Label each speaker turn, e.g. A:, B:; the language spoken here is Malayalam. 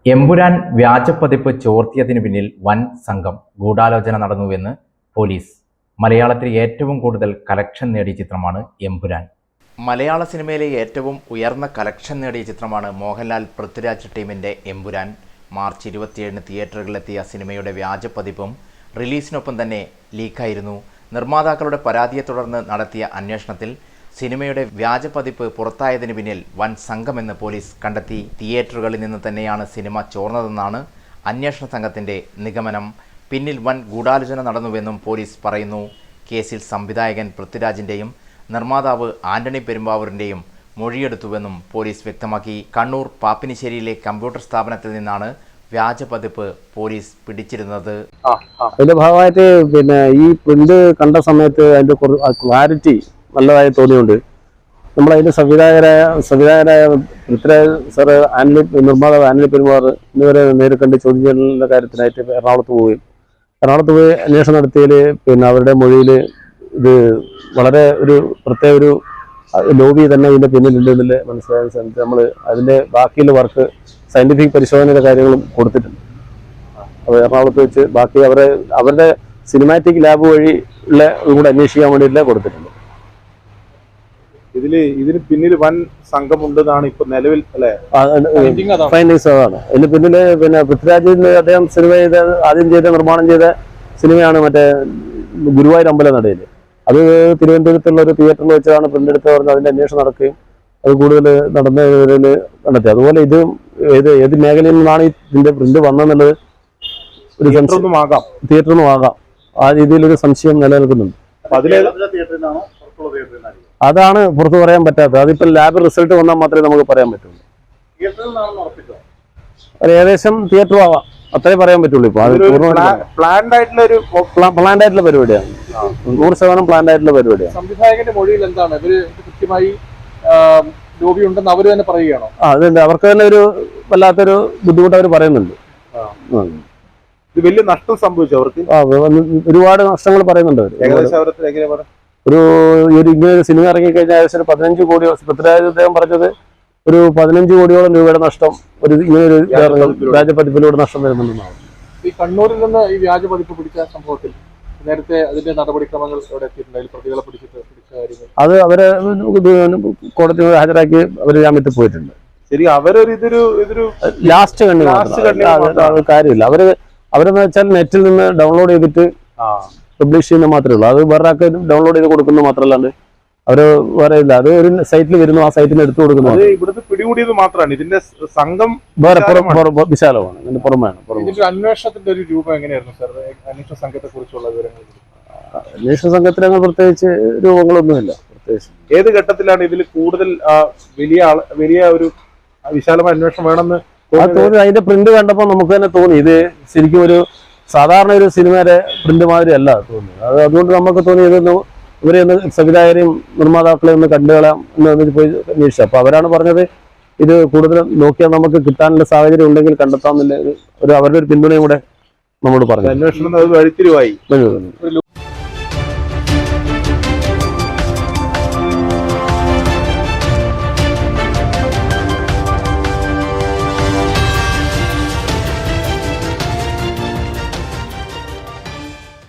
A: എമ്പുരാൻ വ്യാജപ്പതിപ്പ് ചോർത്തിയതിനു പിന്നിൽ വൻ സംഘം ഗൂഢാലോചന നടന്നുവെന്ന് പോലീസ്. മലയാളത്തിൽ ഏറ്റവും കൂടുതൽ കലക്ഷൻ നേടിയ ചിത്രമാണ് എമ്പുരാൻ. മലയാള സിനിമയിലെ ഏറ്റവും ഉയർന്ന കലക്ഷൻ നേടിയ ചിത്രമാണ് മോഹൻലാൽ പൃഥ്വിരാജ് ടീമിൻ്റെ എമ്പുരാൻ. മാർച്ച് 27 തിയേറ്ററുകളിലെത്തിയ സിനിമയുടെ വ്യാജപ്പതിപ്പും റിലീസിനൊപ്പം തന്നെ ലീക്കായിരുന്നു. നിർമ്മാതാക്കളുടെ പരാതിയെ തുടർന്ന് നടത്തിയ അന്വേഷണത്തിൽ സിനിമയുടെ വ്യാജപ്പതിപ്പ് പുറത്തായതിനു പിന്നിൽ വൻ സംഘമെന്ന് പോലീസ് കണ്ടെത്തി. തിയേറ്ററുകളിൽ നിന്ന് തന്നെയാണ് സിനിമ ചോർന്നതെന്നാണ് അന്വേഷണ സംഘത്തിൻ്റെ നിഗമനം. പിന്നിൽ വൻ ഗൂഢാലോചന നടന്നുവെന്നും പോലീസ് പറയുന്നു. കേസിൽ സംവിധായകൻ പൃഥ്വിരാജിൻ്റെയും നിർമ്മാതാവ് ആന്റണി പെരുമ്പാവൂരിൻ്റെയും മൊഴിയെടുത്തുവെന്നും പോലീസ് വ്യക്തമാക്കി. കണ്ണൂർ പാപ്പിനിശ്ശേരിയിലെ കമ്പ്യൂട്ടർ സ്ഥാപനത്തിൽ നിന്നാണ് വ്യാജപ്പതിപ്പ് പോലീസ് പിടിച്ചിരുന്നത്.
B: അതിന്റെ ഭാഗമായിട്ട് ഈ പ്രിന്റ് കണ്ട സമയത്ത് അതിന്റെ ക്ലാരിറ്റി നല്ലതായി തോന്നിയുണ്ട്. നമ്മളതിന്റെ സംവിധായകരായ പൃഥ്വിരാജ് സാറ്, നിർമ്മാതാവ് ആന്റണി പെരുമ്പാവൂർ എന്നിവരെ നേരിൽ കണ്ട് ചോദ്യം ചെയ്യലിന്റെ കാര്യത്തിനായിട്ട് എറണാകുളത്ത് പോയി അന്വേഷണം നടത്തിയതിൽ അവരുടെ മൊഴിയിൽ ഇത് വളരെ ഒരു പ്രത്യേക ഒരു ലോബി തന്നെ ഇതിന്റെ പിന്നിലുണ്ടെന്നില്ല മനസ്സിലായ സമയത്ത് നമ്മൾ അതിന്റെ ബാക്കിയുള്ള വർക്ക് സയന്റിഫിക് പരിശോധനയുടെ കാര്യങ്ങളും കൊടുത്തിട്ടുണ്ട്. അപ്പോൾ എറണാകുളത്ത് വെച്ച് ബാക്കി അവരുടെ സിനിമാറ്റിക് ലാബ് വഴി ഉള്ള കൂടെ അന്വേഷിക്കാൻ വേണ്ടിയില്ല കൊടുത്തിട്ടുണ്ട്.
C: ഇതിന് പിന്നിൽ വൻ സംഘമുണ്ടെന്നാണ് ഇപ്പൊ നിലവിൽ
B: ഫൈൻഡിങ്സ്. അതാണ് ഇതിന് പിന്നില്. പൃഥ്വിരാജിന്റെ അദ്ദേഹം ആദ്യം നിർമ്മാണം ചെയ്ത സിനിമയാണ് മറ്റേ ഗുരുവായൂർ അമ്പലനടയിൽ. അത് തിരുവനന്തപുരത്തുള്ള ഒരു തിയേറ്ററിൽ വെച്ചാണ് പ്രിന്റ് എടുത്ത് പറഞ്ഞ് അതിന്റെ അന്വേഷണം നടക്കുകയും അത് കൂടുതൽ നടന്നതിൽ കണ്ടെത്തി. അതുപോലെ ഇത് ഏത് മേഖലയിൽ നിന്നാണ് ഇതിന്റെ പ്രിന്റ് വന്നെന്നുള്ളത് ഒരു തിയേറ്ററൊന്നും ആകാം. ആ രീതിയിലൊരു സംശയം നിലനിൽക്കുന്നുണ്ട്. അതാണ് പുറത്തു പറയാൻ പറ്റാത്തത്. അതിപ്പോ ലാബ് റിസൾട്ട് വന്നാൽ മാത്രമേ നമുക്ക് പറയാൻ പറ്റുള്ളൂ. ഏകദേശം തിയേറ്ററും ആവാം, അത്രേ പറയാൻ പറ്റുള്ളൂ. ഇപ്പൊ പ്ലാൻഡ് ആയിട്ടുള്ള പരിപാടിയാണ്. 100% പ്ലാൻഡ് ആയിട്ടുള്ള പരിപാടിയാണ്.
D: സംവിധായകന്റെ മൊഴിയിൽ എന്താണ് ഇവര് കൃത്യമായി ലോബി ഉണ്ടെന്ന് അവര് തന്നെ പറയുകയാണോ?
B: അതുണ്ട്. അവർക്ക് തന്നെ ഒരു വല്ലാത്തൊരു ബുദ്ധിമുട്ട് അവർ പറയുന്നുണ്ട്.
C: ഇത് വലിയ നഷ്ടം സംഭവിച്ചു അവർക്ക്.
B: ഒരുപാട് നഷ്ടങ്ങൾ പറയുന്നുണ്ട് അവർ. ഇങ്ങനെ ഒരു സിനിമ ഇറങ്ങിക്കഴിഞ്ഞാൽ ഏകദേശം 15 കോടി. പൃഥ്വിരാജ് അദ്ദേഹം പറഞ്ഞത് ഒരു 15 കോടിയോളം രൂപയുടെ നഷ്ടം ഇങ്ങനെ ഒരു വ്യാജപ്പതിപ്പിലൂടെ നഷ്ടം വരുന്നുണ്ടെന്നാണ്.
D: ഈ കണ്ണൂരിൽ നിന്ന് ഈ വ്യാജപ്പതിപ്പ് പിടിച്ച സംഭവത്തിൽ നേരത്തെ അതിന്റെ നടപടിക്രമങ്ങൾ പ്രതികളെ
B: അത് അവരെ കോടതി ഹാജരാക്കി അവര് ജാമ്യത്തിൽ പോയിട്ടുണ്ട്.
C: ശരി, ഇതൊരു
B: ലാസ്റ്റ് കണ്ണി കാര്യമില്ല. അവരെന്ന് വെച്ചാൽ നെറ്റിൽ നിന്ന് ഡൗൺലോഡ് ചെയ്തിട്ട് പബ്ലിഷ് ചെയ്യുന്ന മാത്രമേ ഉള്ളൂ. അത് വേറെ ആൾക്ക് ഡൗൺലോഡ് ചെയ്ത് കൊടുക്കുന്നത് മാത്രമല്ലാണ്ട് അവര് വേറെ ഇല്ല. അത് ഒരു സൈറ്റിൽ വരുന്നു, ആ സൈറ്റിൽ എടുത്തു കൊടുക്കുന്നു.
C: ഇവിടുത്തെ പിടികൂടിയത് മാത്രമാണ്. ഇതിന്റെ സംഘം
B: വേറെ വിശാലമാണ്. ഇതിന്റെ പുറമെയാണ്.
D: അന്വേഷണത്തിന്റെ ഒരു രൂപം എങ്ങനെയായിരുന്നു സാർ? അന്വേഷണ സംഘത്തെ കുറിച്ചുള്ള വിവരങ്ങൾ?
B: അന്വേഷണ സംഘത്തിന് പ്രത്യേകിച്ച് രൂപങ്ങളൊന്നുമില്ല. പ്രത്യേകിച്ച്
C: ഏത് ഘട്ടത്തിലാണ് ഇതിൽ കൂടുതൽ വലിയ ഒരു വിശാലമായ അന്വേഷണം വേണമെന്ന്
B: തോന്നി? അതിന്റെ പ്രിന്റ് കണ്ടപ്പോൾ നമുക്ക് തന്നെ തോന്നി ഇത് ശരിക്കും ഒരു സാധാരണ ഒരു സിനിമയുടെ പ്രിന്റ് മാതിരി അല്ല തോന്നുന്നത്. അതുകൊണ്ട് നമുക്ക് തോന്നി ഇവരെ സംവിധായകരെയും നിർമ്മാതാക്കളെ ഒന്ന് കണ്ടുകളാം എന്ന് പോയി അന്വേഷിച്ചു. അപ്പൊ അവരാണ് പറഞ്ഞത് ഇത് കൂടുതൽ നോക്കിയാൽ നമുക്ക് കിട്ടാനുള്ള സാഹചര്യം ഉണ്ടെങ്കിൽ കണ്ടെത്താമെന്നില്ല അവരുടെ ഒരു പിന്തുണയും കൂടെ നമ്മോട് പറഞ്ഞു.
C: അന്വേഷണം വഴിത്തിരിവായി.